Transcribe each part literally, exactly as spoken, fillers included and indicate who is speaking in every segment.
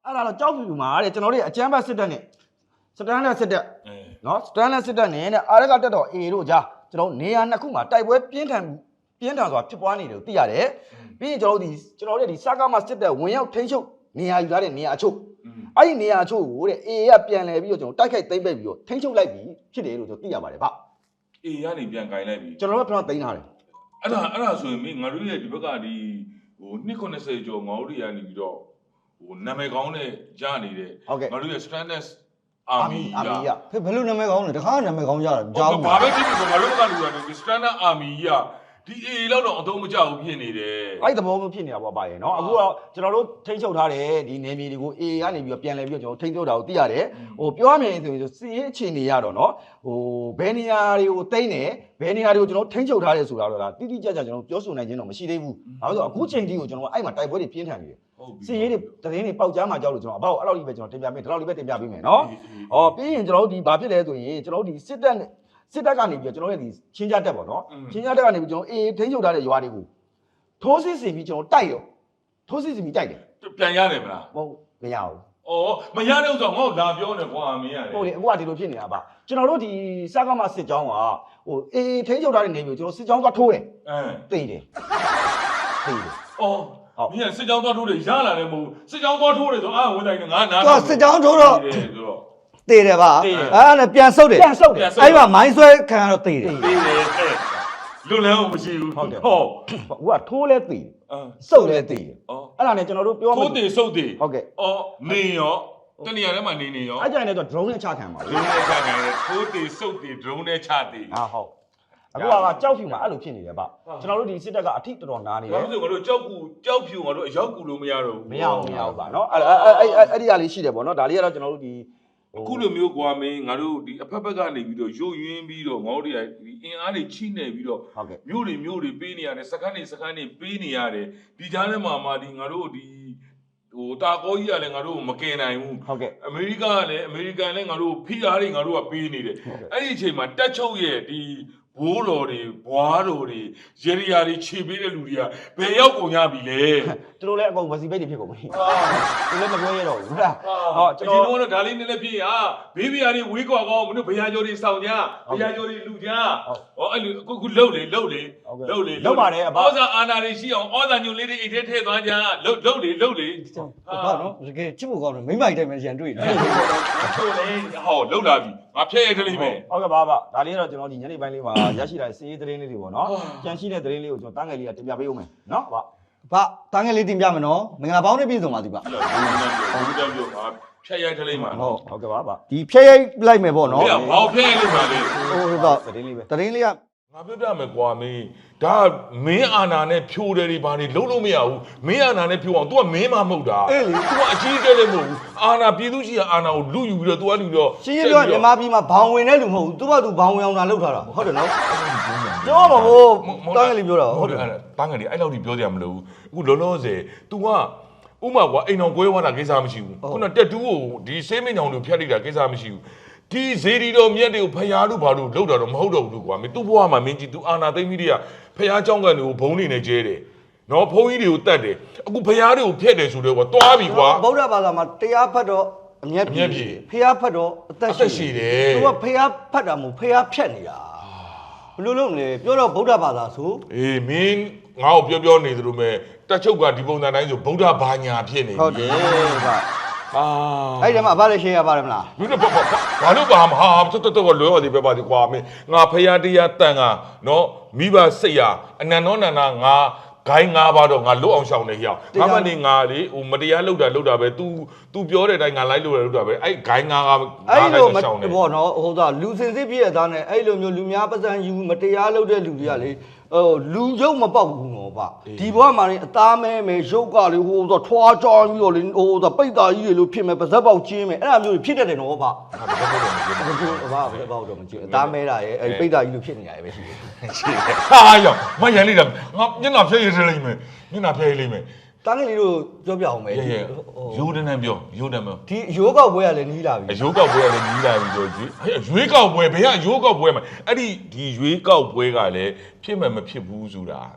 Speaker 1: အဲ့ဒါတော့ကြောက်ဖြူမှာတဲ့ကျွန်တော်တို့အကျမ်းဘတ်စစ်တပ်နဲ့စတန်လက်စစ်တပ်နော်စတန်လက်စစ်တပ်နဲ့အာရကတက်တော် A တို့ကြားကျွန်တော်နေရာနှစ်ခုမှာတိုက်ပွဲပြင်းထန်ပြင်းထန်စွာဖြစ်ပွားနေတယ်လို့သိရတယ်ပြီးရင်ကျွန်တော်တို့ဒီကျွန်တော်တို့ဒီစကားမစစ်တပ်ဝင်ရောက်ထိန်းချုပ်နေရာယူထားတဲ့နေရာအချို့အဲ့ဒီနေရာအချို့ကိုတဲ့ A ကပြန်လဲပြီးတော့ကျွန်တော်တိုက်ခိုက်သိမ်းပိတ်ပြီးတော့ထိန်းချုပ်လိုက်ပြီဖြစ်တယ်လို့ကျွန်တော်သိရပါတယ်ဗျ
Speaker 2: A ကနေပြန်ကင်လိုက်ပြီ
Speaker 1: ကျွန်တော်တို့ကပြန်သိမ်းထားတယ်
Speaker 2: အဲ့ဒါအဲ့ဒါဆိုရင်မင်းငါတို့ရဲ့ဒီဘက်ကဒီဟိုနှစ်90ကျော်ငါတို့တွေကနေပြီးတော့ဟိုနာမည်ကောင်းနဲ့ရနေတဲ့ငါတို့ရဲ့ Stranded Army
Speaker 1: အာမီရ
Speaker 3: ဖေဘယ်လိုနာမည်ကောင်းလဲတခါနာမည်ကောင်းကြတာကြားဘူး
Speaker 2: ဘာပဲဖြစ်ဖြစ်ငါတို့ကလူရတယ် Stranded Army ကဒီ A လောက်တော့အသုံးမကျဘူးဖြစ်နေတယ်
Speaker 1: အဲ့ဒီသဘောမျိုးဖြစ်နေတာပေါ့ပါရဲ့เนาะအခုတော့ကျွန်တော်တို့ထိန်းချုပ်ထားတဲ့ဒီနေမြေတွေကို A ကနေပြီးတော့ပြန်လဲပြီးတော့ကျွန်တော်ထိန်းချုပ်တာကိုသိရတယ်ဟိုပြောရမယ်ဆိုရင်စီးရေးအခြေအနေရတော့เนาะဟိုဘယ်နေရာတွေကိုတိမ့်တယ်ဘယ်နေရာတွေကိုကျွန်တော်ထိန်းချုပ်ထားတယ်ဆိုတာတော့ဒါတိတိကျကျကျွန်တော်ပြောဆိုနိုင်ခြင်းတော့မရှိသေးဘူးဘာလို့ဆိုအခုချိန်ထိကိုကျွန်တော်အဲ့မှာတိုက်ပွဲတွေပြင်းထန်နေတယ်စီးရေးတွေတရင်တွေပေါက်ကြားမှာကြောက်လို့ကျွန်တော်အဘောက်အဲ့လောက်ကြီးပဲကျွန်တော်တင်ပြပေးဒီလောက်လေးပဲတင်ပြပေးမယ်เนาะဟောပြီးရင်ကျွန်တော်တို့ဒီဘာဖြစ်လဲဆိုရင်ကျွန်တော်တို့ဒီစစ်တပ်နဲ့စစ်တပ်ကနေပြီးတော့ကျွန်တော်ရဲ့ဒီချင်းကြတက်ပေါ့နော်ချင်းကြတက်ကနေပြီးကျွန်တော်အေးထိန်းချုပ်ထားတဲ့ရွာတွေကိုထိုးစစ်ဆင်ပြီးကျွန်တော်တိုက်ရောထိုးစစ်ဆင်ပြီးတိုက်တယ်
Speaker 2: ပြန်ရတယ်မလား
Speaker 1: ဟုတ်မရဘူး
Speaker 2: ဩမရတဲ့ဥစ္စာငါ့ကိုလာပြောနေကွာမင်းရတယ်
Speaker 1: ဟုတ်လေအခုကဒီလိုဖြစ်နေတာပါကျွန်တော်တို့ဒီစကားမစစ်ကြောင်းကဟိုအေးထိန်းချုပ်ထားတဲ့နေမျိုးကျွန်တော်စစ်ကြောင်းသွားထိုးတယ်
Speaker 2: အဲ
Speaker 1: တိတ်တယ်တိတ်တယ်
Speaker 2: ဩမင်းစစ်ကြောင်းသွားထိုးတယ်ရလာတယ်မဟုတ်စစ်ကြောင်းသွားထိုးတယ်ဆိုအာဝင်တိုင်းငါနား
Speaker 3: တော့စစ်ကြောင်းထိုးတော့
Speaker 2: ဆိုတော့
Speaker 3: တေးတယ်ပါအဲ့ဒါနဲ့ပြန်ဆုတ်တယ်
Speaker 1: ပြန်ဆုတ်တယ်
Speaker 3: အဲ့မှာမိုင်းဆွဲခံရတော့တေးတယ်
Speaker 2: တေးတယ်လွတ်လန်းအောင်မရှိဘူးဟုတ်တယ်ဟော
Speaker 1: ဟိုကထိုးလဲတိတ်
Speaker 2: အာ
Speaker 1: ဆုတ်လဲတိတ်
Speaker 2: ဩ
Speaker 1: အဲ့ဒါနဲ့ကျွန်တော်တို့ပြော
Speaker 2: ထိုးတယ်စုပ်တယ်
Speaker 1: ဟုတ်ကဲ့
Speaker 2: ဩနေရောတနေရာထဲမှာနေနေရော
Speaker 1: အဲ့ကြိုင်နဲ့တော့ drone နဲ့ချခံပါ
Speaker 2: ဒ
Speaker 1: ဘူး
Speaker 2: ရုန်းနဲ့ချခံတယ်ထိုးတယ်စုပ်တယ်ဒရုန်းနဲ့ချတယ်
Speaker 1: ဟာဟုတ်အခုကကြောက်ဖြူမှာအဲ့လိုဖြစ်နေတယ်ဗျကျွန်တော်တို့ဒီစစ်တပ်ကအထိတော်တော်နားနေတ
Speaker 2: ဘာ
Speaker 1: ယ်
Speaker 2: လို့လဲငါတို့ကြောက်ကူကြောက်ဖြူငါတို့အရောက်ကူလို့မရတော့ဘူး
Speaker 1: မရအောင်မရအောင်ပါเนาะအဲ့အဲ့အဲ့အဲ့ဒီကလေးရှိတယ်ပေါ့เนาะဒါလေးကတော့ကျွန်တော်တို့ဒီ
Speaker 2: အခုလိုမျိုးကွာမင်းငါတို့ဒီအဖက်ဖက်ကနေပြီးတော့ရုပ်ရင်းပြီးတော့ငါတို့တွေကဒီအင်အားတွေချိနေပြီးတော့
Speaker 1: ဟုတ်ကဲ့
Speaker 2: မြို့တွေမြို့တွေပေးနေရတယ်စခန်းတွေစခန်းတွေပေးနေရတယ်ဒီကြားထဲမှာမှဒီငါတို့ဒီဟိုတာကောကြီးကလည်းငါတို့မကင်နိုင်ဘူး
Speaker 1: ဟုတ်ကဲ့
Speaker 2: အမေရိကကလည်းအမေရိကန်လည်းငါတို့ဖိအားတွေငါတို့ကပေးနေတယ်အဲ့ဒီအချိန်မှာတက်ချုပ်ရဲ့ဒီဘိုးတော်တွေဘွားတော်တွေရေရီယာတွေခြေပေးတဲ့လူတွေကဘယ်ရောက်ကုန်ကြပြီလဲ
Speaker 1: သူတို့လည်းအကုန်ဝစီပိတ်တွေဖြစ်ကုန်ပြီသူလည်းမပြောရတော့ဘူးဟုတ်လား
Speaker 2: ဟောကျွန်တော်တို့ဒါလေးနည်းနည်းဖြစ်ဟာဘေးဘီယာတွေဝေးကွာကောမင်းတို့ဘရာကျော်တွေစောင့်ကြဘရာကျော်တွေလူကြဟောအဲ့လိုအခုခုလှုပ်လေလှုပ်လေလှုပ်လေ
Speaker 1: လောက်ပါတယ်အဘ
Speaker 2: ဩဇာအာနာတွေရှိအောင်ဩဇာညွန်လေးတွေအိတ်ထဲထည့်သွားကြလှုပ်လှုပ်လေလှုပ်လေ
Speaker 3: ဟုတ်နော်တကယ်ချစ်ဖို့ကောင်းတယ်မိမိုက်တိုင်းပဲရန်တွေ့တယ်
Speaker 2: ချို့လေဟောလှုပ်လာပြီငါဖျက်ရိုက်တလိမ့်မယ်
Speaker 1: ဟုတ်ကဲ့ပါပါဒါလေးကတော့ကျွန်တော်ဒီညနေပိုင်းလေးမှာရရှိလာတဲ့စီးရေးသတင်းလေးတွေပေါ့เนาะကြံရှိတဲ့သတင်းလေးကိုကျွန်တော်တန်းငယ်လေးကတင်ပြပေးဦးမယ်เนาะဗျ
Speaker 3: ဘာတန်းငယ်လေးတင်ပြမယ်နော်မင်္ဂလာပေါင်းနဲ့ပြည့်စုံပါစီပါ
Speaker 2: အဲ့တော့ဘူးတန်းပြောငါဖျက်ရိုက်တလိမ့်မှာ
Speaker 1: ဟုတ်ဟုတ်ကဲ့ပါပါ
Speaker 3: ဒီဖြည့်ရိုက်လိုက်မယ်ပေါ့နော်
Speaker 2: ဟေ့ဘာဖျက်ရိုက်လို့ပါလေ
Speaker 3: ဟိုတော့
Speaker 1: သတင်းလေးပဲ
Speaker 3: တရင်လေးက
Speaker 2: ငါပြောပြမယ်ကွာမင်းဒါမင်းအာနာနဲ့ဖြိုးတယ်တွေဘာတွေလုံးလို့မရဘူးမင်းအာနာနဲ့ဖြိုးအောင် तू ကမင်းမမဟုတ်တာ
Speaker 3: အေးလေ
Speaker 2: तू ကအကြီးကျယ်လည်းမဟုတ်ဘူးအာနာပြည်သူရှိရာအာနာကိုလူယူပြီးတော့ तू ကလူတော့
Speaker 3: ရှင်းရှင်းပြောမြန်မာပြည်မှာဘောင်ဝင်တဲ့လူမဟုတ်ဘူးသူ့ဘာသူဘောင်ဝင်အောင်တာလုပ်ထားတာဟုတ်တယ်နော်ပြောပါဘောတန်းငယ်လေးပြောတာဟုတ်တယ်
Speaker 2: အဲ့တန်းငယ်လေးအဲ့လောက်ကြီးပြောကြရမလို့အခုလောလောဆယ် तू ကဥမာကွာအိမ်တော်ကွဲသွားတာကိစ္စမရှိဘူးခုနတက်တူးကိုဒီဆေးမင်းကြောင်တို့ဖျက်လိုက်တာကိစ္စမရှိဘူးဒီဇေဒီတော်မြတ်တွေကိုဖျားလို့ဘာလို့လောက်တာတော့မဟုတ်တော့ဘူးကွာမင်းသူ့ဘဝမှာမင်းကြီး तू အာနာသိမ့်ပြီးတည်းကဖျားเจ้าကန်တွေကိုဘုံနေနေကျဲတယ်နော်ဘုံကြီးတွေကိုတတ်တယ်အခုဖျားတွေကိုဖျက်တယ်ဆိုတော့ကွာတွားပြီကွာ
Speaker 3: ဗုဒ္ဓဘာသာမှာတရားဖတ်တော့အမျက်ပြေဖះဖတ်တော့အသက်ရှိတယ်သူကဖះဖတ်တာမဟုတ်ဖះဖြတ်နေတာဘယ်လိုလုပ်လဲပြောတော့ဗုဒ္ဓဘာသာဆို
Speaker 2: အေးမင်းငါ့ကိုပြောပြောနေသလိုမဲ့တက်ချုပ်ကဒီပုံစံတိုင်းဆိုဗုဒ္ဓဘာညာဖြစ်နေ
Speaker 3: ဟုတ်တယ်ဗျ
Speaker 2: အာ
Speaker 3: အဲ့ဒီမှာအဘလည်းရှင်းရပါတယ်မလား
Speaker 2: မင်းတို့ဘာဘာလို့ပါမဟာတော်တော်တော်လွယ်ရသေးပဲပါဒီကွာမင်းငါဖရာတရားတန်ကနော်မိဘစိတ်ရအနန္တောနန္ဒငါဂိုင်းငါးပါတော့ငါလွတ်အောင်ရှောင်နေရအောင်ငါမနေငါလေဟိုမတရားလုပ်တာလုပ်တာပဲ तू तू ပြောတဲ့အတိုင်းငါလိုက်လို့ရလုပ်တာပဲအဲ့ဂိုင်းငါးက
Speaker 3: အဲ့လိုမဘောနော်ဟိုသားလူစင်စစ်ပြည့်တဲ့သားနဲ့အဲ့လိုမျိုးလူများပစံယူမတရားလုပ်တဲ့လူတွေကလေဟိုလူရုပ်မပေါက်ဘူးနော်ဗျဒီဘဝမှာနေအသားမဲမဲရုပ်ကလေဟိုတော့ထွားကြောင်းပြီးတော့လေဟိုတော့ပိတ်သားကြီးတွေလို့ဖြစ်မယ်ပါဇက်ပေါက်ချင်းမယ်အဲ့ဒါမျိုးဖြစ်တတ်တယ်နော်ဗျဘာဘာဘာတော့မကြည့်အသားမဲတာရဲ့အဲ့ပိတ်သားကြီးလို့ဖြစ်နေရတယ်ပဲရှိတယ်
Speaker 2: ဟာရောမရန်လိုက်တာငါမျက်နှာဖျက်ရလိမ့်မယ်မျက်နှာဖျက်ရလိမ့်မယ်
Speaker 3: တန်းကလေးတို့ပြောပြအောင်မယ်
Speaker 2: ရေရေရိုးတန်းတန်းပြောရိုးတန်းပြော
Speaker 3: ဒီရိုးကောက်ပွဲကလည်းနီးလာပြီ
Speaker 2: အယိုးကောက်ပွဲကလည်းနီးလာပြီဆိုကြည့်ရွေးကောက်ပွဲဘယ်ကအယိုးကောက်ပွဲမှာအဲ့ဒီဒီရွေးကောက်ပွဲကလည်းဖြစ်မှမဖြစ်ဘူးဆိုတာ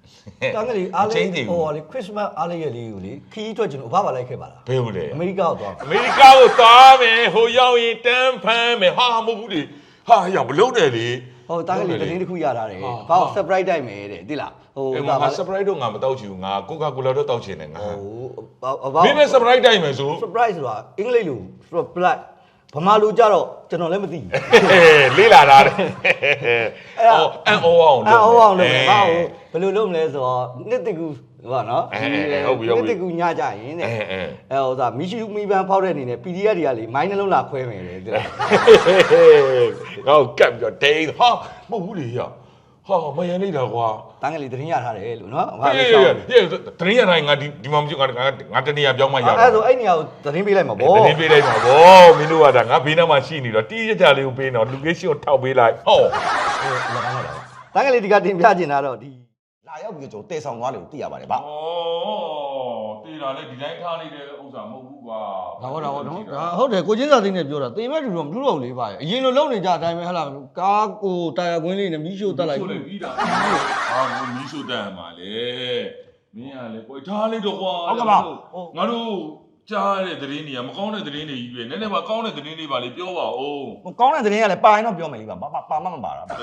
Speaker 3: တန်းကလေးအားလေးဟိုလေခရစ်စမတ်အားလေးရလေးကိုလေခီးထွက်ကျွန်တော်အဖပါလိုက်ခဲ့ပါလား
Speaker 2: ဘယ်လိုလဲ
Speaker 3: အမေရိကကိုသွား
Speaker 2: အမေရိကကိုသွားမယ်ဟိုရောက်ရင်တန်းဖမ်းမယ်ဟာမဟုတ်ဘူးလေဟာရမလုံးတယ်လေ
Speaker 3: ဟိုတန်းကလေးတင်းတစ်ခုရထားတယ်ဘာလို့ surprise တိုက်မယ်တဲ့သိလားဟို
Speaker 2: အဲ့မှာ surprise တော့ငါမတောက်ချင်ဘူးငါ Coca-Cola တော့တောက်ချင်တယ်ငါ
Speaker 3: ဟို
Speaker 2: မင်းပဲ surprise တိုက်မယ်ဆို
Speaker 3: surprise ဆိုတာအင်္ဂလိပ်လို surprise ဗမာလိုကြတော့ကျွန်တော်လည်းမသိဘူး
Speaker 2: လေးလာတာတဲ့ဟောအန်အောအောင်
Speaker 3: အန်အောအောင်လုပ်မယ်ဟာဟိုဘယ်လိုလုပ်မလဲဆိုတော့နှစ်တကူဟောနော်နှစ်တကူညကြရင်တဲ့အဲဟိုသာမီရှူမီပန်ဖောက်တဲ့အနေနဲ့ ပီ ဒီ အက်ဖ် တွေကလေမိုင်းနှလုံးလာခွဲမယ်လေတိလား
Speaker 2: ငါ့ကိုကပ်ပြီးတော့ဒိန်းဟာမဟုတ်ဘူးလေရဟာမယန်နေတာကွာ
Speaker 3: တန်းကလေးသတင်းရထားတယ်လို့နော်
Speaker 2: ဟာလေဟေးတရင်ရတိုင်းငါဒီဒီမှာမကြည့်ငါငါတနေရပြောင်းမှရတာ
Speaker 3: အဲ့ဆိုအဲ့နေရာကိုသတင်းပေးလိုက်မှာဗော
Speaker 2: တင်းပေးလိုက်ပါဗောမင်းတို့ကဒါငါဘေးနားမှာရှိနေတော့တီးရကြလေးကိုပေးတော့လူကေးရှင်းကိုထောက်ပေးလိုက်ဟော
Speaker 3: တန်းကလေးဒီကတင်ပြချင်တာတော့ဒီ
Speaker 1: လာရောက်ပြီးတော့ကျွန်တော်တည်ဆောင်သွားတယ်ကိုသိရပါတယ်ဗျ
Speaker 2: ဩတေးတာလေဒီတိုင်းထားနေတဲ့ဥစ္စာမဟုတ်ဘူးကွာ
Speaker 3: ဒါဟောတာဟောနော်ဒါဟုတ်တယ်ကိုချင်းစာသိန်းနဲ့ပြောတာတေမဲ့တူတော့မတူတော့ဘူးလေဗျအရင်လိုလုံနေကြအတိုင်းပဲဟလာကားကိုတာယာကွင်းလေးနဲ့မီးရှို့တက်လိုက်
Speaker 2: ဆိုလေပြီးတာဟာဘုမီးရှို့တက်မှာလေမင်းကလေကိုထားလိုက်တော့ကွာငါတို့ကြားတဲ့သတင်းတွေကမကောင်းတဲ့သတင်းတွေကြီးပဲနည်းနည်းပါကောင်းတဲ့သတင်းတွေပါလေပြောပါဦး
Speaker 1: ဟိုကောင်းတဲ့သတင်းကလည်းပါရင်တော့ပြောမယ်လीပါပါပါမမပါတာဗျ
Speaker 2: ဟုတ်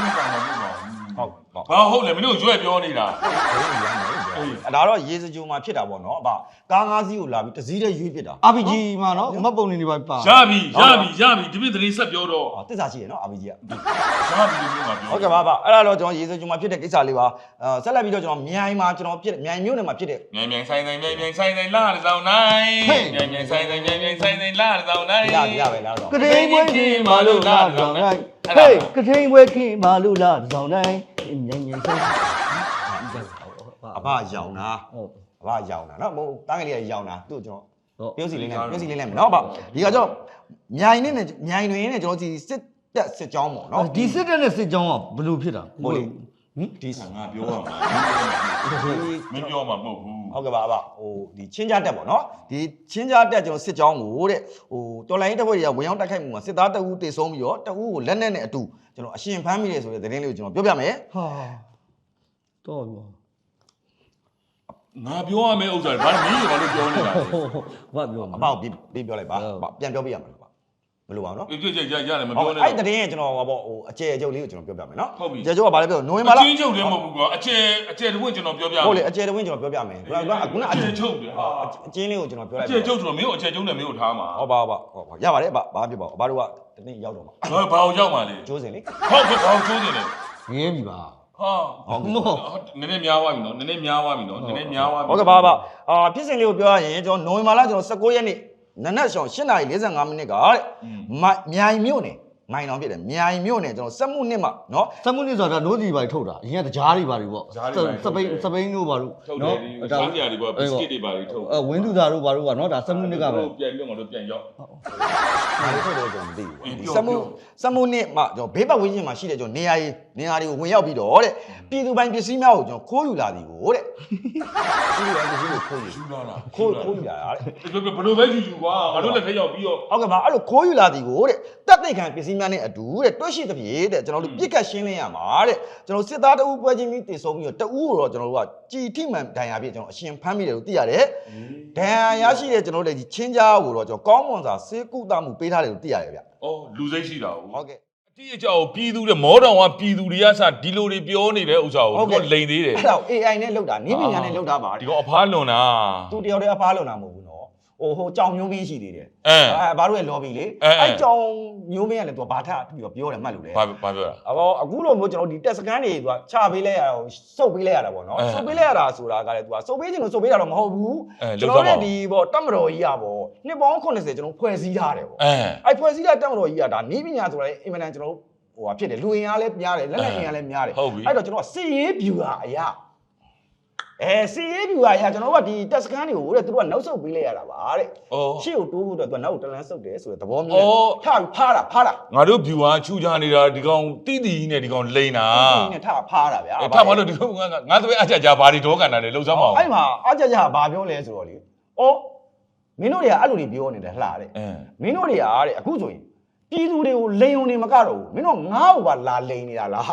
Speaker 1: ဟုတ်
Speaker 2: ဘာဟုတ်လဲမင်းတို့ရွက်ပြောနေတာ
Speaker 1: အဲ့ဒါတော့ရေစကြိုမှာဖြစ်တာပေါ့နော်အဘကားငါးစီးကိုလာပြီးတစ်စီးတည်းရွေးဖြစ်တာ
Speaker 3: အာပီဂျီမှာနော်မတ်ပုံနေနေပါပါ
Speaker 2: ရပြီရပြီရပြီဒီပြည့်သတင်းဆက်ပြောတော့
Speaker 1: ဟောတစ္ဆာရှိရနော်အာဘီကြီးက
Speaker 2: ရပြီလို့ပြောမှာပြော
Speaker 1: ဟုတ်ကဲ့ပါဗျအဲ့ဒါတော့ကျွန်တော်ရေစကြိုမှာဖြစ်တဲ့ကိစ္စလေးပါအဲဆက်လက်ပြီးတော့ကျွန်တော်မြိုင်မှာကျွန်တော်ဖြစ်မြိုင်မြို့နယ်မှာဖြစ်တဲ့
Speaker 2: မြန်မြန်ဆိုင်ဆိုင်မြန်မြန်ဆိုင်ဆိုင်လာတဲ့ဆောင်နိုင်မြန်မြန်ဆိုင်ဆိုင်မြန်မြန်ဆိုင်ဆိုင်လာတဲ့ဆောင်နိုင်
Speaker 1: ရပြီရပဲလားတော့
Speaker 3: ကထိန်ပွဲခင်မာလို့လာဆောင်တိုင်းဟေးကထိန်ပွဲခင်မာလို့လာဆောင်တိုင်းညင်ညင်ဆိုင်
Speaker 1: အဘရောင်တာ
Speaker 3: ဟုတ်
Speaker 1: အဘရောင်တာနော်ဟိုတားငယ်လေးကရောင်တာသူ့ကျွန်တော်ပြုတ်စီလေးနဲ့ပြုတ်စီလေးနဲ့နော်ဗျဒီကကျွန်တော်မြိုင်နဲ့မြိုင်တွင်နဲ့ကျွန်တော်ဒီစစ်တက်စစ်ကြောင်းပေါ့နော်
Speaker 3: ဒီစစ်တပ်နဲ့စစ်ကြောင်းကဘယ်လိုဖြစ်တာ
Speaker 1: ဟုတ်လေ
Speaker 3: ဟင်
Speaker 1: ဒီ
Speaker 2: ငါပြောရမှာမင်းပြောမှာမဟုတ်ဘူး
Speaker 1: ဟုတ်ကဲ့ပါအဘဟိုဒီချင်းကြတက်ပေါ့နော်ဒီချင်းကြတက်ကျွန်တော်စစ်ကြောင်းကိုတဲ့ဟိုတော်လိုင်းတပ်ဖွဲ့တွေကဝင်ရောက်တိုက်ခိုက်မှုမှာစစ်သားတအူးတေဆုံးပြီးတော့တအူးကိုလက်နက်နဲ့အတူကျွန်တော်အရှင်ဖမ်းမိတယ်ဆိုတဲ့သတင်းလေးကိုကျွန်တော်ပြောပြမယ်
Speaker 3: ဟာတော့ဘော
Speaker 2: ငါပြောရမယ့်ဥစ္စာဘာမင်းဘာလို့ပြောနေတာလဲ
Speaker 3: ဘာပြော
Speaker 1: အ
Speaker 3: မှာ
Speaker 1: ဘကိုပြေးပြောလိုက်ပါပြန်ပြောပြရမှာလားမလို့ပါဘူးနော်
Speaker 2: ပြည့်ပြည့်ရရတယ်မ
Speaker 1: ဟော
Speaker 2: ပြောနဲ့
Speaker 1: အဲ့တရင်ကျွန်တော်ဟောပေါ့ဟိုအကျယ်အကျုပ်လေးကိုကျွန်တော်ပြောပြမယ်နော်
Speaker 2: ဟုတ်ပြီ
Speaker 1: အကျယ်ကျုပ်ကဘာလဲပြောနိုဝင်ဘာလ
Speaker 2: အချင်းချုပ်လည်းမဟုတ်ဘူးကွာအကျယ်အကျယ်တဝင့်ကျွန်တော်ပြောပြမယ်
Speaker 1: ဟုတ်လေအကျယ်တဝင်းကျွန်တော်ပြောပြမယ်ခုနကခုန
Speaker 2: အကျယ်ချုပ်တယ်ဟာ
Speaker 1: အကျင်းလေးကိုကျွန်တော်ပြောလို
Speaker 2: အ
Speaker 1: က်
Speaker 2: ကျယ်ချုပ်ဆိုတော့မင်းကိုအကျယ်ချုပ်နဲ့မင်းကိုထားမှာ
Speaker 1: ဟောပါပါဟောရပါတယ်အဘဘာဖြစ်ပါဘူးအဘတို့ကတနေ့ရောက်တော့မှာ
Speaker 2: ငါဘာအောင်ရောက်မှာလဲ
Speaker 1: ကျိုးစင်လေ
Speaker 2: ဟုတ်ကဲ့ဘာအောင်ကျိုးနေလဲ
Speaker 3: ငင်းပြီပါ
Speaker 2: ဟာ
Speaker 3: ဟုတ်
Speaker 2: နည်းနည်းများသွားပြီနော်နည်းနည်းများသွားပြီနော်နည်းနည်းများသွားပြီ
Speaker 1: ဟုတ်ကဲ့ပါပါအာဖြစ်စဉ်လေးကိုပြောရရင်ကျွန်တော်နိုဝင်ဘာလကျွန်တော်၁၉ရက်နေ့နနက်ရှောင်း၈နာရီ၄၅မိနစ်ကတဲ့မြိုင်မြို့နယ်မိုင်တောင်ဖြစ်တယ်မြိုင်မြို့နယ်ကျွန်တော်စက်မှုနှစ်မှာနော်
Speaker 3: စက်မှုနစ်ဆိုတာနိုးစီပါထုတ်တာအရင်ကတကြားတွေပါတွေပေါ့စပိန်စပိန်တို့ပါတို့
Speaker 2: ထုတ်တယ်ဒီစားကြတွေပေါ့ဘစ်ကစ်တွေပါတွေထုတ်
Speaker 3: အဲဝင်းသူသားတို့ပါတို့ကနော်ဒါစက်မှုနစ်ကပဲ
Speaker 2: ပြန်ပြီးတော့ငါတို့ပြန်ရောက်
Speaker 1: ဘာလို့ထုတ်တယ်ကျွန်တော်မသိဘူးစက်မှုစက်မှုနှစ်မှာကျွန်တော်ဘေးပတ်ဝန်းကျင်မှာရှိတဲ့ကျွန်တော်နေရာကြီးနေရာတွေကိုဝင်ရောက်ပြီးတော့တဲ့ပြည်သူပိုင်းပစ္စည်းများကိုကျွန်တော်ခိုးယူလာသည်ကိုတဲ့ပြည်သူပိုင်းပစ္စည်းကိုခိုးယူ
Speaker 2: ယူလာလား
Speaker 1: ခိုးခိုးယူလာတာတဲ့
Speaker 2: ဘယ်လိုပဲယူယူကွာငါတို့လည်းထက်ရောက်ပြီးတော့
Speaker 1: ဟုတ်ကဲ့ပါအဲ့လိုခိုးယူလာသည်ကိုတဲ့တက်သိခံပစ္စည်းများနဲ့အတူတဲ့တွဲရှိသဖြင့်တဲ့ကျွန်တော်တို့ပြစ်ကတ်ရှင်းလင်းရမှာတဲ့ကျွန်တော်စစ်သားတအူးပွဲချင်းပြီးတည်ဆုံးပြီးတော့တအူးကိုတော့ကျွန်တော်တို့ကကြည်ထိမှန်ဒဏ်ရာပြည့်ကျွန်တော်အရှင်ဖမ်းမိတယ်လို့သိရတယ်ဒဏ်ရာရရှိတဲ့ကျွန်တော်တို့ဒီချင်းကြားကိုတော့ကျွန်တော်ကောင်းမွန်စွာစေကုသမှုပေးထားတယ်လို့သိရတယ်ဗျ
Speaker 2: အော်လူစိတ်ရှိတာ
Speaker 1: ဟုတ်ကဲ့
Speaker 2: အတိအကျကိုပြည်သူတွေမောတောင်ကပြည်သူတွေကစဒီလိုတွေပြောနေတဲ့ဥစ္စာကိုသူကလိန်သေးတယ်
Speaker 1: အဲ့ဒါ အေ အိုင် နဲ့လောက်တာနည်းပညာနဲ့လောက်တာပါ
Speaker 2: ဒီကောင်အဖားလွန်တာ
Speaker 1: သူတယောက်တည်းအဖားလုံတာမဟုတ်ဘူးနော်ဟိုဟိုကြောင်မျိုးမင်းရှိသေးတယ်
Speaker 2: အဲ
Speaker 1: အဲဘာလို့လဲ lobby လေအဲ့ကြောင်မျိုးမင်းကလည်းသူကဘာထပြီးတော့ပြောတယ်မှတ်လို့လေ
Speaker 2: ဘာဘာပြောတာ
Speaker 1: အော်အခုလိုမျိုးကျွန်တော်ဒီတက်စကန်တွေသူကချပေးလဲရတာစုပ်ပေးလဲရတာပေါ့နော်စုပ်ပေးလဲရတာဆိုတာကလည်းသူကစုပ်ပေးခြင်းလို့စုပ်ပေးတာတော့မဟုတ်ဘူးကျွန်တော်တို့ဒီပေါ့တက်မတော်ကြီးอ่ะပေါ့နှစ်ပေါင်း80ကျွန်တော်ဖွဲ့စည်းထားတယ်ပေါ့
Speaker 2: အဲ
Speaker 1: အဲ့ဖွဲ့စည်းတဲ့တက်မတော်ကြီးอ่ะဒါနီးပညာဆိုတာအင်မတန်ကျွန်တော်ဟိုဟာဖြစ်တယ်လူရင်အားလည်းများတယ်လက်လက်ရင်အားလည်းများတယ်အဲ့တော့ကျွန်တော်စစ်ရေးဗျူဟာအရာအဲစစ်ရေးဗျူဟာအရာကျွန်တော်ကဒီတက်စကန်တွေကိုတဲ့သူတို့ကနောက်ဆုတ်ပေးလဲရတာပါတဲ့
Speaker 2: အော်
Speaker 1: ရှေ့ကိုတိုးဖို့အတွက်သူကနောက်ကိုတလန်းဆုတ်တယ်ဆိုတဲ့သဘောမျိုးထဖားတာဖားတာ
Speaker 2: ငါတို့ view ဟာချူချနေတာဒီကောင်တိတိနဲ့ဒီကောင်လိန်တာ
Speaker 1: ဒီနဲ့ထဖားတာဗျာ
Speaker 2: အဲထားပါလို့ဒီကောင်ငါငါသွေးအကြကြဘာတွေဒေါကန်တာလဲလှုပ်စမ်းမအောင်
Speaker 1: အဲ့မှာအကြကြဘာပြောလဲဆိုတော့လေအော်မင်းတို့တွေကအဲ့လိုတွေပြောနေတယ်လှတဲ့
Speaker 2: အဲ
Speaker 1: မင်းတို့တွေကတဲ့အခုဆိုရင်ပြည်သူတွေကိုလိန်ုံနေမကတော့ဘူးမင်းတို့ငါ့ကိုပါလာလိန်နေတာလားတဲ့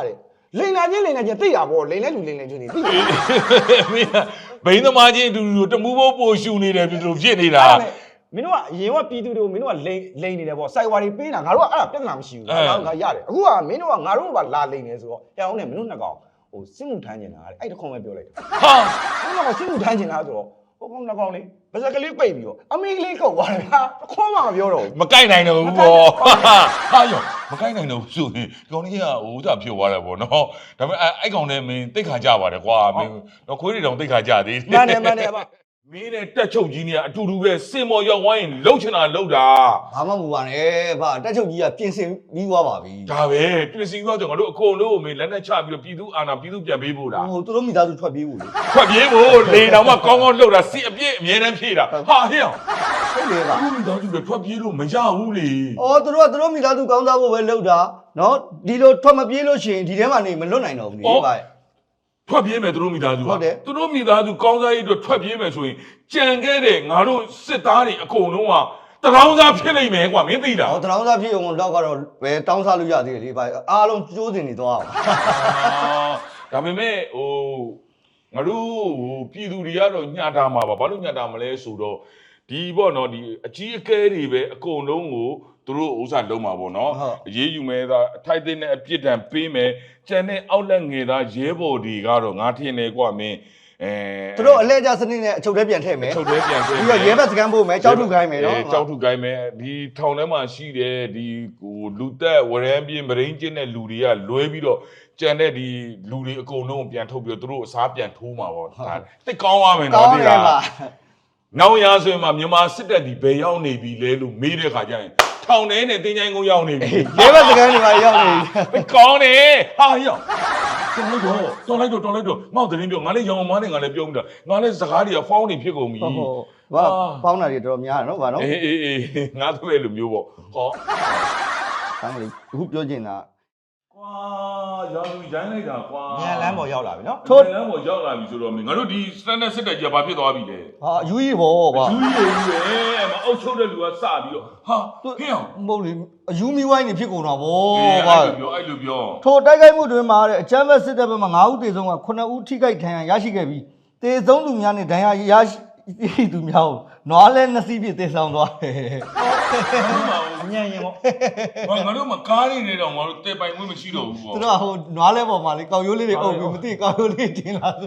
Speaker 1: လိန်လာချင်းလိန်လာချင်းသိတာပေါ့လိန်လဲလူလိန်လဲချင်းသိ
Speaker 2: မင်းဘိန်းသမားချင်းအတူတူတမူးဖို့ပို့ရှူနေတယ်ပြည်သူဖြစ်နေတာ
Speaker 1: မင်းတို့ကအရင်ကပြည်သူတွေကိုမင်းတို့ကလိန်လိန်နေတယ်ပေါ့စိုက်ဝါတွေပေးတာငါတို့ကအဲ့ဒါပြဿနာမရှိဘူးငါတို့ကရတယ်အခုကမင်းတို့ကငါတို့ကလာလိန်နေဆိုတော့ဟဲ့အောင်နဲ့မင်းတို့နှစ်ကောင်ဟိုစစ်မှုထမ်းနေတာအဲ့တခွန်ပဲပြောလိုက်တယ်ဟာမင်းတို့ကစစ်မှုထမ်းနေတာဆိုတော့ဟိုကောင်နှစ်ကောင်လေးပါဇက်ကလေးပိတ်ပြီးတော့အမေကလေးကုတ်သွားတယ်ဗျာတခွန်မှမပြောတော့ဘူး
Speaker 2: မကိုက်နိုင်တော့ဘူးပေါ့ဟာယောမကိုက်နိုင်တော့ဘူးဆိုရင်ဒီကောင်ကြီးကဟိုဥစားဖြစ်သွားတယ်ပေါ့နော်ဒါပေမဲ့အဲ့ကောင်နဲ့မင်းတိတ်ခါကြပါတယ်ကွာမင်းတော့ခွေးတွေတောင်တိတ်ခါကြသေး
Speaker 1: မှန်တယ်မှန်တယ်ဗျ
Speaker 2: မင်းနဲ့တက်ချုပ်ကြီးနေကအတူတူပဲစင်မော်ရောက်ဝိုင်းလှုပ်ချင်တာလှုပ်တာ
Speaker 3: ဘာမှမပူပါနဲ့ဗျတက်ချုပ်ကြီးကပြင်ဆင်ပြီးသွားပါပြီ
Speaker 2: ဒါပဲပြည်စည်းသွားကြငါတို့အကုန်လုံးကိုမင်းလက်နဲ့ချပြီးတော့ပြည်သူအာဏာပြည်သူပြန်ပေးဖို့လား
Speaker 3: ဟိုသူတို့မိသားစုထွက်ပြေးဖို့လေ
Speaker 2: ထွက်ပြေးဖို့လေတောင်မှကောင်းကောင်းလှုပ်တာစီအပြည့်အမြဲတမ်းဖြည့်တာဟာဟဲ့အောင်
Speaker 3: ဟုတ်လေဗျ
Speaker 2: အခုမိသားစုတွေထွက်ပြေးလို့မရဘူးလေ
Speaker 3: အော်သူတို့ကသူတို့မိသားစုကောင်းစားဖို့ပဲလုပ်တာနော်ဒီလိုထွက်မပြေးလို့ရှိရင်ဒီထဲမှာနေမလွတ်နိုင်တော့ဘူးလေဗျ
Speaker 2: ထွက်ပြေးမယ်သူတို့မိသားစု
Speaker 3: ဟုတ်တယ်
Speaker 2: သူတို့မိသားစုကောင်းစားရေးအတွက်ထွက်ပြေးမယ်ဆိုရင်ကြံခဲ့တဲ့ငါတို့စစ်သားတွေအကုန်လုံးကတရောင်းစားဖြစ်နိုင်မယ်ကွာမင်းသိလား
Speaker 3: ဟောတရောင်းစားဖြစ်အောင်တော့ကတော့ပဲတောင်းစားလို့ရသေးတယ်လေဗျအားလုံးကျိုးစင်နေသွားအောင်
Speaker 2: ဒါပေမဲ့ဟိုငါတို့ဟိုပြည်သူတွေကတော့ညှတာမှာပါဘာလို့ညှတာမလဲဆိုတော့ဒီပေါ့နော်ဒီအကြီးအကဲတွေပဲအကုန်လုံးကိုသူတို့ဥစ္စာလုံးမှာပေါ့နော်အရေးယူမဲ့သားအထိုက်တဲ့နဲ့အပြစ်ဒဏ်ပေးမယ်ကျန်တဲ့အောက်လက်ငယ်သားရဲဘော်တွေကတော့ငါထင်တယ်ကွာမင်းအဲ
Speaker 3: သူတို့အလဲကျစနစ်နဲ့အချုပ်ထဲပြန်ထည့်မယ်
Speaker 2: ချုပ်ထဲပြန်ထည့်
Speaker 3: ပြီးတော့ရဲဘက်စကန်ဖို့မယ်ကြောက်ထုခိုင်းမယ်နော်
Speaker 2: ကြောက်ထုခိုင်းမယ်ဒီထောင်ထဲမှာရှိတယ်ဒီဟိုလူသက်ဝရမ်းပြင်းမရင်းကျင်းတဲ့လူတွေကလွဲပြီးတော့ကြံတဲ့ဒီလူတွေအကုန်လုံးပြန်ထုတ်ပြီးတော့သူတို့အစားပြန်ထိုးမှာပေါ့ဒါတိတ်ကောင်းရမယ်နော်ဒီလားနောက်ရဆိုရင်မှမြန်မာစစ်တပ်ဒီဘယ်ရောက်နေပြီလဲလို့မေးတဲ့ခါကျရင်ထောင်ထဲနဲ့တင်းချိုင်းကုန်းရောက်နေပြီ
Speaker 3: ရဲဘက်စကန်တွေပါရောက်နေ
Speaker 2: ဘယ်ကောင်းနေဟာရောက်တော်လိုက်တော့တော်လိုက်တော့တော်လိုက်တော့ငေါ့သတင်းပြောငါလည်းရောင်မားနဲ့ငါလည်းပြောမိတာငါလည်းစကားတွေကဖောင်းနေဖြစ်ကုန်ပြီ
Speaker 3: ဟုတ်ဟုတ်ဘာပေါင်းတာတွေတော်တော်များတယ်နော်ဗာနော်
Speaker 2: အေးအေးအေးငါတို့ပဲလိုမျိုးပေါ့ဟော
Speaker 3: အဲ့ဒါအခုပြောချင်တာ
Speaker 2: ကွာရောင်ရိုင်းလိုက်တာကွာ
Speaker 1: ညံလန်းပေါ်ရောက်လာပြီနော်
Speaker 2: ထိုးလမ်းပေါ်ရောက်လာပြီဆိုတော့မင်းငါတို့ဒီ standard စစ်တပ်ကြီးကဘာဖြစ်သွားပြီလဲ
Speaker 3: ဟာအယူကြီးပေါ့ဗျာ
Speaker 2: ယူရည်ကြီးပဲမအုပ်ချုပ်တဲ့လူကစပြီးတော့ဟာဟင်းအောင်
Speaker 3: မဟုတ်လေအယူမီဝိုင်းနေဖြစ်ကုန်တာဗော
Speaker 2: အေး
Speaker 3: ဗျာ
Speaker 2: အဲ့လိုပြောအဲ့လိုပြော
Speaker 3: ထိုတိုက်ခိုက်မှုတွင်မှာတဲ့အချမ်းဘက်စစ်တပ်ဘက်မှာ9ဦးသေဆုံးက9ဦးထိခိုက်ဒဏ်ရာရရှိခဲ့ပြီးသေဆုံးသူများနဲ့ဒဏ်ရာရရှိသူများကိုနွားလဲနှစ်စီးပြည့်သေဆောင်သွားတယ်
Speaker 1: အညံ့ရင်ပေါ့
Speaker 2: ဘာငါတို့မကားနေနေတော့ငါတို့တေပိုင်ခွင့်မရှိတော့ဘူးပေါ့
Speaker 3: သူတို့ကဟိုနွားလဲပေါ်မှာလေကောက်ရိုးလေးတွေအုပ်ပြီးမသိကောက်ရိုးလေးတင်လာဆို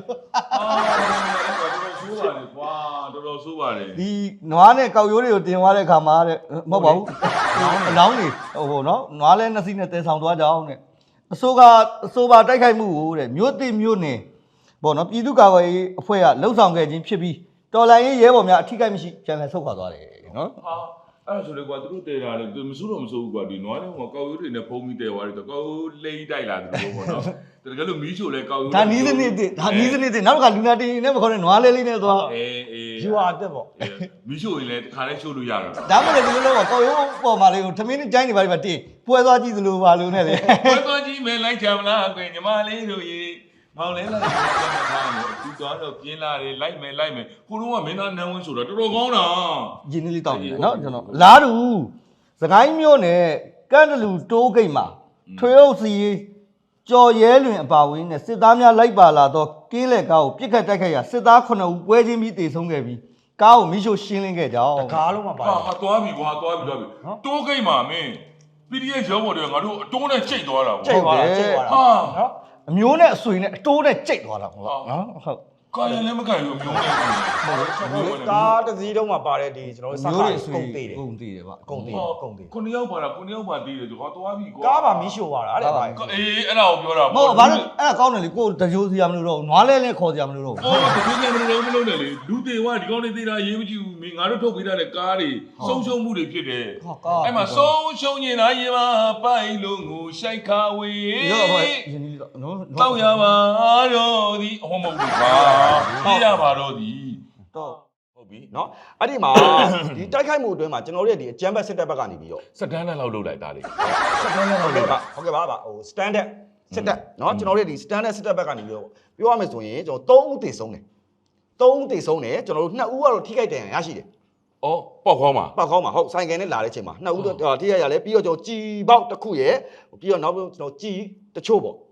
Speaker 2: အာတော်တော်ဆိုးပါလေကွာတော်တော်ဆိုးပါလေ
Speaker 3: ဒီနွားနဲ့ကောက်ရိုးတွေကိုတင်သွားတဲ့ခါမှာတဲ့မဟုတ်ပါဘူးအလောင်းတွေဟိုနော်နွားလဲနှစ်စီးနဲ့သေဆောင်သွားကြအောင်တဲ့အစိုးကအစိုးပါတိုက်ခိုက်မှုကိုတဲ့မြို့တိမြို့နယ်ပေါ့နော်ပြည်သူ့ကာကွယ်ရေးအဖွဲ့ကလှုပ်ဆောင်ခဲ့ခြင်းဖြစ်ပြီးတော်လိုင်းရေးရဲဘော်များအထိကိမရှိပြန်လည်ဆုတ်ခွာသွားတယ်နော်
Speaker 2: ဟာအဲ့ဒါဆိုလေကွာသူတို့တဲတာလေသူမစိုးတော့မစိုးဘူးကွာဒီနွားလေးကကောက်ရိုးတွေနဲ့ဖုံးပြီးတဲသွားတယ်ကောက်ရိုးလိမ့်တိုက်လာတယ်လို့ပေါ့နော်တကယ်လို့မီးချိုလဲကောက်ရိုး
Speaker 3: ဒါနီးစနစ်တည်းဒါနီးစနစ်တည်းနောက်ကလူနာတင်နဲ့မခေါ်နဲ့နွားလေးလေးနဲ့သွား
Speaker 2: အေးအေး
Speaker 1: ယူဟာတက်ပေါ့
Speaker 2: မီးချိုရင်လည်းတခါလဲချိုးလို့ရတာ
Speaker 3: ဒါမှလည်းဒီလိုတော့ကောက်ရိုးပေါ်မှာလေးကိုထမင်းနဲ့ကြိုင်းနေပါလိမ့်မယ်တင်ပွဲသွားကြည့်သလိုပါလို့နဲ့လေ
Speaker 2: ဘယ်တော့ကြီးမဲလိုက်ချင်မလားကွညီမလေးတို့ရေမောင်လဲလိုက်ပြန်ထားတယ်သူတော့တော့ပြင်းလာတယ်လိုက်မယ်လိုက်မယ်ခုလုံးကမင်းသားနန်းဝင်းဆိုတာတော်တော်ကောင်းတာ
Speaker 3: ရင်းနှီးလေးတောက်နေတယ်နော်ကျွန်တော်လားတူစကိုင်းမြို့နယ်ကန့်တလူတိုးဂိတ်မှာထွေအုပ်စီကြော်ရဲလွင်အပါဝင်နဲ့စစ်သားများလိုက်ပါလာတော့ကင်းလက်ကားကိုပြစ်ခတ်တိုက်ခိုက်ရာစစ်သား9ဦးပွဲချင်းပြီးတေဆုံးခဲ့ပြီးကားကိုမိရှို့ရှင်းလင်းခဲ့ကြောင်း
Speaker 1: တကားလုံးမှာပါ
Speaker 2: ဟာဟာသွားပြီကွာသွားပြီသွားပြီတိုးကိတ်မှာမင်း ပီ ဒီ အက်ဖ် ရောဘော်တွေငါတို့အတိုးနဲ့ချိန်သွားတာ
Speaker 1: ကျိတ်သွားတာကျိတ်သွားတာ
Speaker 2: ဟာ
Speaker 1: နော်
Speaker 3: အမျိုးနဲ့အဆွေနဲ့အတိုးနဲ့ကြိတ်သွားတာဟုတ်လားနော်ဟုတ်
Speaker 2: ကာယလည်းမကန်ဘူးအမျိုးနဲ့
Speaker 1: ကားတစ်စီးတုံးမှာပါတဲ့ဒီကျွန်တော်တို့စကားကုန်သေးတယ်
Speaker 3: ကုန်သေးတယ်ဗျ
Speaker 1: ကုန်သေးတယ်ကုန်သေး
Speaker 2: ခုနှစ်ယောက်ပါတာခုနှစ်ယောက်ပါသေးတယ်ကွာသွားပြီကွာ
Speaker 1: ကားပါမီးရှို့သွားတာအဲ့ဒါပါ
Speaker 2: အေးအဲ့ဒါကိုပြောတာ
Speaker 3: မဟုတ်ဘာလို့အဲ့ဒါကောင်းတယ်လေကိုတကြိုးစီရမလို့တော့နွားလဲလဲခေါ်စီရမလို့တော့
Speaker 2: အော်ဒီကိစ္စမလို့မလို့နဲ့လေလူတွေကဒီကောင်းနေသေးတာရေးမကြည့်ဘူးမင်းငါတို့ထုတ်ပေးထားတဲ့ကားတွေဆုံးရှုံးမှုတွေဖြစ်တယ်အဲ့မှာဆုံးရှုံးနေတာရေပါပိုက်လုံးကိုရှိုက်ခါဝေး
Speaker 3: ရောဟိုရင်းနှီးတော့နော်
Speaker 2: တောက်ရပါတော့ဒီအဟောမဟုတ်ဘူးပါပြရပါတော့ဒီ
Speaker 3: တော့
Speaker 1: ဟုတ်ပြီเนาะအဲ့ဒီမှာဒီတိုက်ခိုက်မှုအတွင်းမှာကျွန်တော်တို့ရဲ့ဒီအကြမ်းဖက်စစ်တပ်ဘက်ကနေပြီးတော့
Speaker 2: စတန်နဲ့လောက်လုပ်လိုက်တာလေ
Speaker 1: ဟုတ်ကဲ့ပါဟုတ်ကဲ့ပါဟို standard စစ်တပ်เนาะကျွန်တော်တို့ရဲ့ဒီ standard စစ်တပ်ဘက်ကနေပြီးတော့ပြောရမယ်ဆိုရင်ကျွန်တော်၃ဦးတည်ဆုံးတယ်၃ဦးတည်ဆုံးတယ်ကျွန်တော်တို့၂ဦးကတော့ထိခိုက်ဒဏ်ရာရရှိတယ်
Speaker 2: အော်ပေါက်ခေါင်းမှာ
Speaker 1: ပောက်ခေါင်းမှာဟုတ်ဆိုင်ကယ်နဲ့လာတဲ့အချိန်မှာ၂ဦးတော့ထိခိုက်ရလဲပြီးတော့ကျွန်တော်ကြည်ပေါက်တစ်ခုရယ်ပြီးတော့နောက်ကျွန်တော်ကြည်တချို့ပေါ့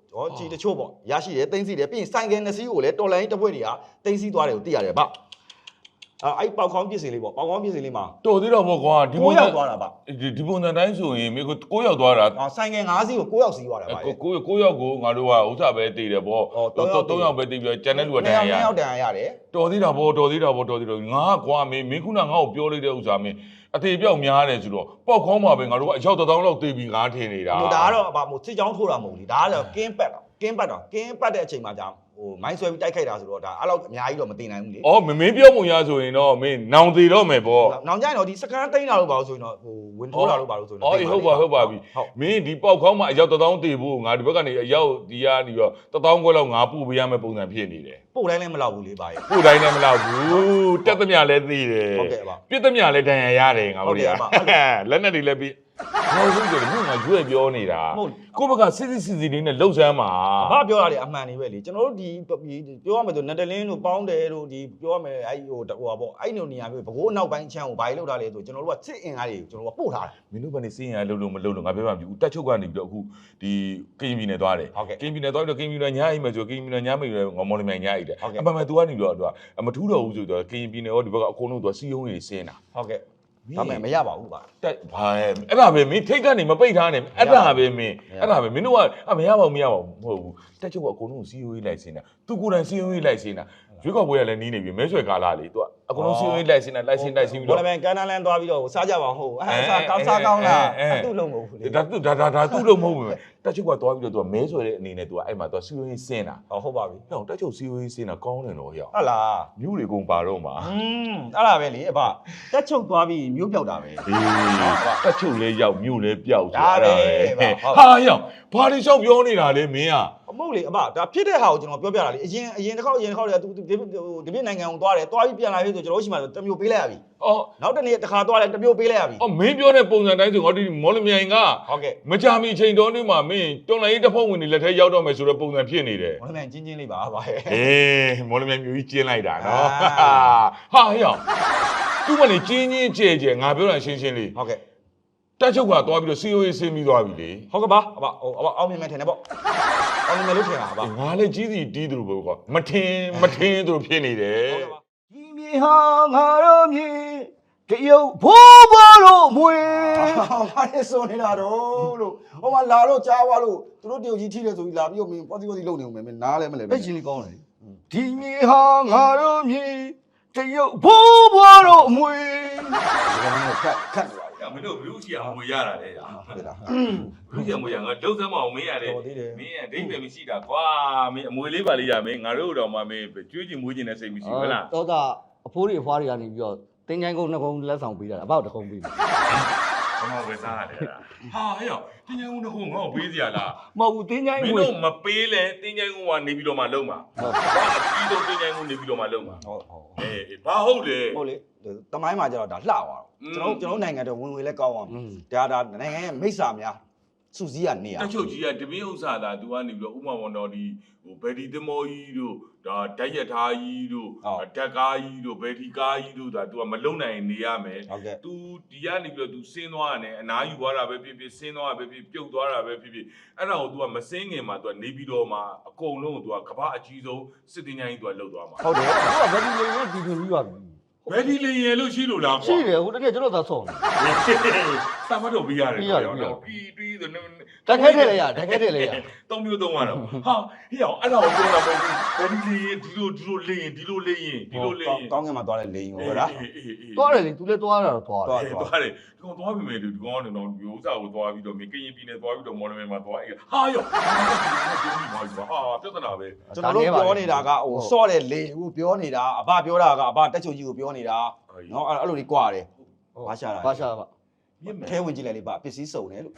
Speaker 1: ဟောကြည်တချို့ပေါ့ရရှိတယ်တင်းစီတယ်ပြီးရင်ဆိုင်ကယ်နှစ်စီးကိုလည်းတော်လိုင်းတစ်ဖွဲ့တွေကတင်းစီသွားတယ်ကိုသိရတယ်ဗျအဲ့အဲ့ပေါက်ခေါင်းပြစ်စင်လေးပေါ့ပေါက်ခေါင်းပြစ်စင်လေးမှာ
Speaker 2: တော်သေးတော့ပေါ့ကွာဒီ
Speaker 1: ကိုရောက်သွားတာဗျ
Speaker 2: ဒီပုံစံတိုင်းဆိုရင်မင်းကိုကိုရောက်သွားတာ
Speaker 1: အာဆိုင်ကယ်၅စီးကိုကိုရောက်စီးသွားတာဗျ
Speaker 2: ကိုကိုကိုရောက်ကိုငါတို့ကဥစ္စာပဲတည်တယ်ပေါ့တော့၃ယောက်ပဲတည်ပြီးကျန်တဲ့လူကတန်ရရ
Speaker 1: နှစ်ယောက်တန်ရရတယ်
Speaker 2: တော်သေးတာပေါ့တော်သေးတာပေါ့တော်သေးတော့ငါကွာမင်းမင်းခုနငါ့ကိုပြောလိုက်တဲ့ဥစ္စာမင်းအသေးပြောက်များတယ်ဆိုတော့ပေါက်ခေါင်းမှာပဲငါတို့ကအယောက်တစ်သောင်းလောက်တည်ပြီးငါထင်နေတာ
Speaker 1: ဟိုဒါကတော့ဗာမို့စစ်ကြောင်းထိုးတာမဟုတ်ဘူးဒါကတော့ကင်းပတ်တော့ကင်းပတ်တော့ကင်းပတ်တဲ့အချိန်မှာကြာဟိုမိုင်းဆွဲပြီးတိုက်ခိုက်တာဆိုတော့ဒါအဲ့လောက်အများကြီးတော့မတင်နိုင်ဘူးလေ
Speaker 2: အော်မမင်းပြောပုံရဆိုရင်တော့မင်းနောင်သေးတော့မယ်ပေါ့
Speaker 1: နောင်ကြရင်တော့ဒီစကန်တိန်းတာလို့ပါလို့ဆိုရင်တော့ဟိုဝင်ထိုးတာလို့ပါလို့ဆိုရင်
Speaker 2: အော်ဟုတ်ပါဟုတ်ပါပြီမင်းဒီပေါက်ခေါင်းမှာအယောက်တစ်သောင်းတည်ဖို့ငါဒီဘက်ကနေအယောက်ဒီကနေတော့တစ်သောင်းခွဲလောက်ငါပို့ပေးရမယ့်ပုံစံဖြစ်နေတယ်
Speaker 1: ပို့တိုင်းလည်းမလောက်ဘူးလေပါရဲ့
Speaker 2: ပို့တိုင်းလည်းမလောက်ဘူးတက်သမျှလည်းသိတယ်
Speaker 1: ဟုတ်ကဲ့ပါ
Speaker 2: ပြစ်သမျှလည်းတန်ရရတယ်ငါတို့တွေကလက်နဲ့တွေလည်းပြီးဟောဟုတ်တယ်မြို့ငါရွေ့ပြောနေတာကိုယ့်ဘက်ကစစ်စစ်စစ်စစ်လေးနဲ့လှုပ်ဆမ်းမှာ
Speaker 1: ဘာပြောရလဲအမှန်နေပဲလေကျွန်တော်တို့ဒီပြောရမယ်ဆိုနတလင်းတို့ပေါင်းတယ်တို့ဒီပြောရမယ်အဲ့ဟိုဟိုပါပေါ့အဲ့လိုနေရာမျိုးဘကိုးနောက်ပိုင်းချမ်းကိုဘာကြီးလောက်တာလဲဆိုကျွန်တော်တို့ကစစ်အင်အားတွေကျွန်တော်တို့ကပို့ထားတာ
Speaker 2: မင်းတို့ကနေစင်းရလှုပ်လို့မလှုပ်လို့ငါပြောပါမယ်ဦးတက်ချုပ်ကနေပြီးတော့အခုဒီကရင်ပြည်နယ်သွားတယ်ကရင်ပြည်နယ်သွားပြီးတော့ကရင်ပြည်နယ်ညအိမ်မယ်ဆိုကရင်ပြည်နယ်ညမိတ်ရငေါမော်လမြိုင်ညအိမ်တယ်အမှန်မှန် तू ကနေတော့ तू မထူးတော့ဘူးဆိုတော့ကရင်ပြည်နယ်ရောဒီဘက်ကအကုန်လုံး तू စီယုံကြီးစင်းတာ
Speaker 1: ဟုတ်ကဲ့ဒါမှမရပါဘူးပါ
Speaker 2: တက်ဘာအဲ့ဒါပဲမင်းထိတ်ကနေမပိတ်ထားနဲ့အဲ့ဒါပဲမင်းအဲ့ဒါပဲမင်းတို့ကအမရပါဘူးမရပါဘူးမဟုတ်ဘူးတက်ချုပ်ကအကုန်လုံးစီယိုရေးလိုက်စင်းတာသူကိုယ်တိုင်စီယိုရေးလိုက်စင်းတာရွေးကောက်ပွဲကလည်းနီးနေပြီမဲဆွဲကာလာလေသူကအကုန်လုံးစီယိုရေးလိုက်စင်းတာလိုက်စင်းလိုက်စင်းပြီး
Speaker 1: ဘော
Speaker 2: တော့
Speaker 1: လမန်ကန်နလန်သွားပြီးတော့စားကြပါဟုတ်အဲ့စားကောင်းစားကောင်းလားအတူလုံးမဟုတ်ဘူးလေ
Speaker 2: ဒါသူဒါဒါဒါသူ့လို့မဟုတ်ဘူးတက်ချုပ်ကသွားပြီးတော့သူကမဲဆွဲတဲ့အနေနဲ့သူကအဲ့မှာသူကစီယိုရေးစင်းတာ
Speaker 1: ဟုတ်ပါပြီ
Speaker 2: ဟောတက်ချုပ်စီယိုရေးစင်းတာကောင်းတယ်တော့ဟေ့
Speaker 1: ဟုတ်လား
Speaker 2: မြို့တွေကုန်ပါတော့မှာ
Speaker 1: อืมအဲ့ဒါပဲလေအဖတက်ချုပ်သွားပြီးမျိုးပြောက်တာပဲ
Speaker 2: အေးတက်ချုပ်လဲရောက်မြို့လဲပျောက်ဆို
Speaker 1: ဒါပဲ
Speaker 2: ဟာရောက်ဘာတွေလျှောက်ပြောနေတာလဲမင်းอ่ะ
Speaker 1: အမဟုတ်လေအဖဒါဖြစ်တဲ့ဟာကိုကျွန်တော်ပြောပြတာလေအရင်အရင်တစ်ခေါက်အရင်တစ်ခေါက်တည်းသူဒီဒီပြနိုင်ငံကိုသွားတယ်သွားပြီးပြန်လာပြီဆိုကျွန်တော်တို့ရှိမှတမျိုးပေးလိုက်ရပြီ
Speaker 2: အော်
Speaker 1: နောက်တစ်နေ့တစ်ခါသွားတယ်တမျိုးပေးလိုက်ရပြီ
Speaker 2: အော်မင်းပြောတဲ့ပုံစံတိုင်းဆိုငါဒီမော်လမြိုင်က
Speaker 1: ဟုတ်ကဲ့
Speaker 2: မကြာမီချိန်တော်နေမှာမင်းတော်လိုင်းတစ်ဖုံဝင်နေလက်ထဲရောက်တော့မယ်ဆိုတော့ပုံစံဖြစ်နေတယ်
Speaker 1: ဘောလမန်ချင်းချင်းလေးပါပါရဲ့
Speaker 2: အေးမော်လမြိုင်မျိုးကြီးကျင်းလိုက်တာနော်
Speaker 1: အာ
Speaker 2: ဟာဟေ့အောင်သူ့မနေကျင်းချင်းကျဲကျဲငါပြောတာရှင်းရှင်းလေး
Speaker 1: ဟုတ်ကဲ့
Speaker 2: တက်ချုပ်ကသွားပြီးတော့စီယိုရေးဆင်းပြီးသွားပြီလေ
Speaker 1: ဟုတ်ကဲ့ပါအဖဟိုအဖအောင်မြင်မယ်ထင်တယ်ပေါ့အောင်မြင်မယ်လို့ထင်တာပါ
Speaker 2: ငါလည်းကြီးစီတီးသူလိုပဲကွာမထင်းမထင်းသူလိုဖြစ်နေတယ်
Speaker 3: ဒီမြေဟာငါတို့မြေတရုတ်ဘိုးဘွားတို့မွေ
Speaker 1: ဘာလဲဆိုနေတာတော့လို့ဟိုမှာလာတော့ကြားသွားလို့သူတို့တရုတ်ကြီးထိတယ်ဆိုပြီးလာပြီးတော့မင်းပေါ်စီပေါ်စီလုံနေဦးမယ်မင်းနားလဲမလဲ
Speaker 3: အဲ့ချင်းလေးကောင်းတယ်ဒီမြေဟာငါတို့မြေတရုတ်ဘိုးဘွားတို့မွေ
Speaker 1: ခက်ခက်နေပါ
Speaker 2: ။မင်းတို့ဘလူးစီအမွေရတာလေ။
Speaker 1: ဘူးလား
Speaker 2: ဘလူးစီအမွေရငါဒုစမ်းမအောင်မင်းရတယ်
Speaker 1: တော်သေးတယ်
Speaker 2: ။မင်းအဒိတ်ပဲမရှိတာကွာ။မင်းအမွေလေးပါလေးရမင်းငါတို့တော့မှမင်းကျွေးချင်မွေးချင်တဲ့စိတ်မရှိဘူးလား
Speaker 3: တော့ဒါအဖိုးတွေအဖွားတွေကနေပြီးတော့တင်းချိုင်းကုန်းနှစ်ကုန်းလက်ဆောင်ပေးတာအဘောက်တစ်ကုန်းပေးတယ်
Speaker 2: ။ဘာမှဝယ်စားရတယ်လား။ဟာဟဲ့ရောက်တင်းချိုင်းဦးတစ်ခုငါ့ကိုပေးစရာလား
Speaker 3: မဟုတ်ဘူးတင်းချိုင်း
Speaker 2: ။မင်း
Speaker 3: ဝေ
Speaker 2: တို့မပေးလဲတင်းချိုင်းဦးကနေပြီးတော့မှလုံးမှာ။ဘာအကြီးဆုံးတင်းချိုင်းဦးနေပြီးတော့မှလုံးမှာ
Speaker 1: ဟုတ်ဟုတ်
Speaker 2: ။အေးဘာဟုတ်လဲ
Speaker 1: ဟုတ်လေတမိုင်းမှာကျတော့ဒါလှသွားတော့ကျွန်တော်ကျွန်တော်နိုင်ငံတော်ဝင်ဝင်လဲကောင်းအောင်ဒါဒါနိုင်ငံရဲ့မိစ္ဆာများစုစည်းရနေရ
Speaker 2: ။တက်ချုပ်ကြီးကတပင်းဥစ္စာသာသူကနေပြီးတော့ဥမ္မာဝန်တော်ဒီဟိုဘယ်ဒီသမောကြီးတို့ဒါဓာတ်ရထားကြီးတို့ဓာတ်ကားကြီးတို့ဘယ်ဒီကားကြီးတို့ဒါသူကမလုံနိုင်နေရမယ်
Speaker 1: ဟုတ်ကဲ့
Speaker 2: तू ဒီကနေပြီးတော့ तू ဆင်းသွားရတယ်အနားယူသွားတာပဲဖြစ်ဖြစ်ဆင်းသွားတာပဲဖြစ်ပြုတ်သွားတာပဲဖြစ်ဖြစ်အဲ့ဒါကို तू ကမဆင်းခင်မှာ तू ကနေပြီးတော့မှအကုန်လုံးကို तू ကကဘာအကြီးဆုံးစစ်တင်ကြီး तू ကလှုပ်သွားမှာ
Speaker 1: ဟုတ်တယ်
Speaker 3: ဟိုကဗက်ဒီလေးနဲ့ဒီလိုပြီးပါပြီ
Speaker 2: ဘယ်ဒီလေရင်လို့ရှိလို့လား
Speaker 3: ရှိတယ်ဟိုတကယ်ကျွန်တော်သာဆောင်းတယ်
Speaker 2: တာမတော့ပြရတယ်
Speaker 3: ပြီးရတယ်ပြီးရတယ်
Speaker 2: ပြီးပြီးဆို
Speaker 3: တက်ခဲထည့်လိုက်ရတက်ခဲထည့်လိုက်ရ
Speaker 2: သုံးမျိုးသုံးရတော့ဟာဟေ့အောင်အဲ့ဒါကိုပြောတာပေါ့ဘယ်ဒီလေရင်ဒီလိုဒီလိုလေရင်ဒီလိုလေရင်ဒီလိုလေရင်
Speaker 1: ကောင်းကင်မှာသွားတဲ့လေရင်ကိုလား
Speaker 2: အေးအေးအေး
Speaker 3: သွားတယ်လေသူလည်းသွားတာတော့သွားတယ်
Speaker 2: သွားသွားတယ်ဒီကောင်သွားပြီမယ်ဒီကောင်ကတော့ဒီဥစ္စာကိုသွားပြီးတော့မင်းကရင်ပြည်နယ်သွားပြီးတော့မော်လမြိုင်မှာသွားအေးဟာယောဟာပြဿနာပဲ
Speaker 1: ကျွန်တော်တို့ပြောနေတာကဟိုစော့တဲ့လေဟိုပြောနေတာအဘပြောတာကအဘတက်ချုပ်ကြီးကိုပြောနေတာနော်အဲ့လိုလေးကြွားတယ်ဘာရှာတာ
Speaker 3: ဘာရှာပါ
Speaker 1: ထဲဝင်ကြည့်လိုက်လေဗျပစ္စည်းစုံတယ်လို့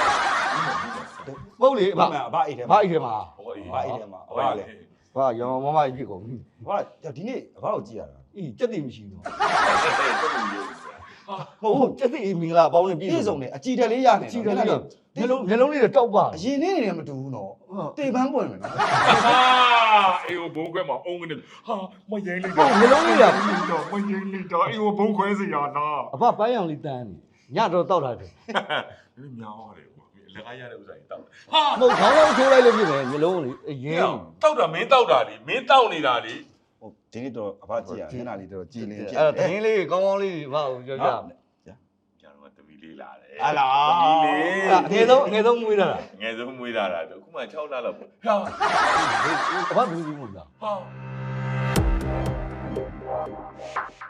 Speaker 3: မဟုတ်လေ
Speaker 1: အဘ
Speaker 3: ဘာ
Speaker 1: အဘအိတ်ထဲ
Speaker 3: ဘာ
Speaker 1: မှာ
Speaker 3: အိတ်ထဲမှာ
Speaker 2: ဟောအေး
Speaker 1: အဘအိတ်ထဲမှာအဘလည်း
Speaker 3: ဘာရောင်မမကြီးဖြစ်ကုန်ပြီ
Speaker 1: ဘာဒီနေ့အဘကိုကြည့်ရတာ
Speaker 3: အေးစက်တည်မရှိဘူး
Speaker 2: ဟာ
Speaker 3: ဟုတ်ဟုတ်စက်တည်မင်္ဂလာအပေါင်းနဲ့ပြည့်
Speaker 1: ပြည့်စုံတယ်အကြည်တက်လေးရနေ
Speaker 3: ကြည့်တယ်လေမျက်လုံးမျက်လုံးလေးတောက်ပါ
Speaker 1: အရင်နေ့နေမတူဘူးနော်တေပန်းပွင့်မယ်နော်
Speaker 2: အေးဘုံခွဲမှာအုံးကနေဟာမရင်လိုက်
Speaker 3: ဟုတ်မျက်လုံးလေးက
Speaker 2: တော့မရင်လိုက်တော့အေးဘုံခွဲစရာလား
Speaker 3: အဖပန်းရောင်လေးတန်းနေညတော့တောက်လာတယ်
Speaker 2: နည်းများရတယ်ကွာလက်ကားရတဲ့ဥစ္စာကြီးတောက်
Speaker 3: ဟာမဟုတ်ခေါင်းလုံးထိုးလိုက်လို့ဖြစ်တယ်မျိုးလုံးလေအရင်
Speaker 2: တောက်တာမင်းတောက်တာလေမင်းတောက်နေတာလေ
Speaker 1: ဟိုဒီနေ့တော့အဖကြည့်ရမျက်နှာလေးတော့ကြည်လင်ဖြစ်
Speaker 3: အဲ့တော့တင်းလေးကောင်းကောင်းလေးဘာကိုပြောကြ
Speaker 2: ကျွန်တော်ကတမီလေးလာတယ်
Speaker 1: ဟာလား
Speaker 2: တမီလေး
Speaker 3: အငယ်ဆုံးအငယ်ဆုံးမွေးတာ
Speaker 2: ငယ်ဆုံးမွေးလာတာတော့အခုမှ၆လလောက်ပေါ့ဟာ
Speaker 3: အဘဘူးဘူးမဟုတ်လား
Speaker 2: ဟာ